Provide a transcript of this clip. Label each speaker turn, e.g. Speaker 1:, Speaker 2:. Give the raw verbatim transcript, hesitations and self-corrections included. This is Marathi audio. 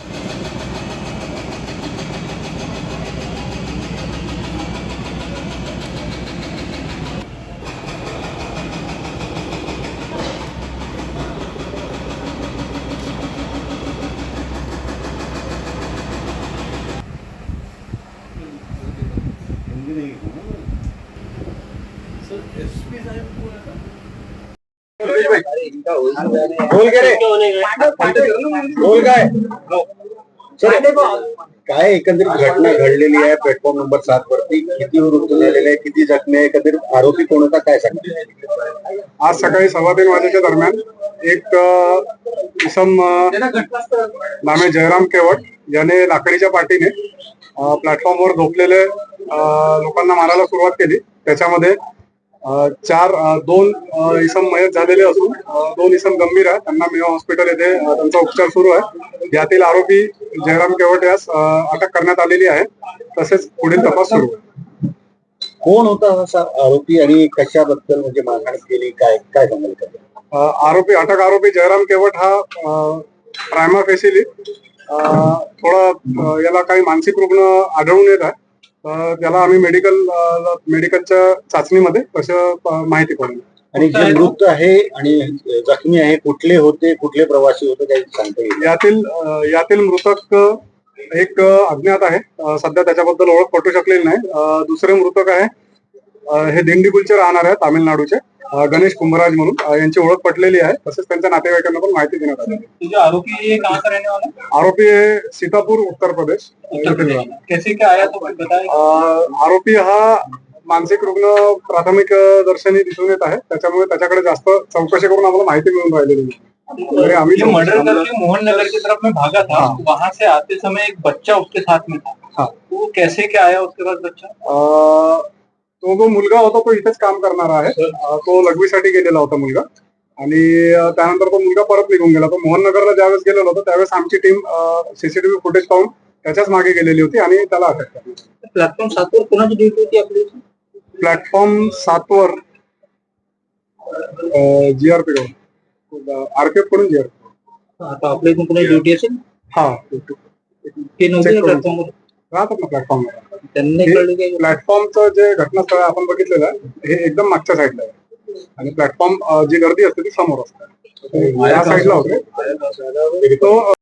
Speaker 1: बोल काय काय एकंदरीत घटना घडलेली आहे प्लॅटफॉर्म नंबर सात वरती? किती मृत्यू झालेले आहे, किती जखमी आहे, एकंदरीत आरोपी कोण होता काय सांगतो?
Speaker 2: आज सकाळी सव्वा तीन वाजेच्या दरम्यान एक इसम नामे जयराम केवट याने लाकडीच्या पाठीने प्लॅटफॉर्मवर झोपलेले लोकांना मारायला सुरुवात केली. त्याच्यामध्ये चार दोन इसम मयत झालेले असून दोन इसम गंभीर आहे. त्यांना मेवा हॉस्पिटल येथे त्यांचा उपचार सुरू आहे. यातील आरोपी जयराम केवट यास अटक करण्यात आलेली आहे. तसेच पुढील तपास सुरू आहे.
Speaker 1: कोण होता असा आरोपी आणि कशाबद्दल म्हणजे मारहाण केली काय काय सांगाल?
Speaker 2: आरोपी अटक आरोपी जयराम केवट हा प्रायमा फेसिली थोडा याला काही मानसिक रुग्ण आढळून येत आहे. त्याला आम्ही मेडिकल मेडिकलच्या चाचणीमध्ये कसं माहिती पडली.
Speaker 1: आणि जे मृत आहे आणि जखमी आहे कुठले होते, कुठले प्रवासी होते काही सांगता येईल?
Speaker 2: यातील यातील मृतक एक अज्ञात आहे. सध्या त्याच्याबद्दल ओळख पटू शकलेली नाही. दुसरे मृतक आहे हे दिंडीगुलचे राहणार आहे तामिळनाडूचे गणेश कुंभराज म्हणून. यांची ओळख पटलेली आहे. तसेच त्यांच्या नातेवाईकांना पण माहिती देण्यात आली.
Speaker 3: आरोपी
Speaker 2: आरोपी हे सीतापूर उत्तर प्रदेश.
Speaker 3: कैसे क्या आया तो बताएं.
Speaker 2: आरोपी हा मानसिक रुग्ण प्राथमिक दर्शनी दिसून येत आहे. त्याच्यामुळे त्याच्याकडे जास्त चौकशी करून आम्हाला माहिती मिळून राहिलेली
Speaker 3: है. आम्ही मर्डर करके मोहन नगर की तरफ में भागा था. वहां से आते समय एक बच्चा उसके साथ में था. वो कैसे क्या आया उसके बाद बच्चा?
Speaker 2: तो जो मुलगा होता तो इथेच काम करणारा आहे. तो लघवीसाठी गेलेला होता मुलगा आणि त्यानंतर तो मुलगा परत निघून गेला. तो मोहन नगरला ज्यावेळेस गेलेला होता त्यावेळेस आमची टीम सीसीटीव्ही फुटेज पाहून त्याच्याच मागे गेलेली होती आणि त्याला अटक केली.
Speaker 3: प्लॅटफॉर्म सात वर कोणाची ड्युटी होती आपली?
Speaker 2: प्लॅटफॉर्म सात वर जीआरपी कडून आरपीएफ कडून जीआरपी.
Speaker 3: आता आपल्या इथून कोणी ड्युटी असेल?
Speaker 2: हा
Speaker 3: प्लॅटफॉर्म
Speaker 2: राहतात ना प्लॅटफॉर्मवर.
Speaker 3: त्यांनी
Speaker 2: प्लॅटफॉर्मचं जे घटनास्थळ आपण बघितलेलं आहे हे एकदम मागच्या साईडला आहे आणि प्लॅटफॉर्म जी गर्दी असते ती समोर असते. या साईडला होते तो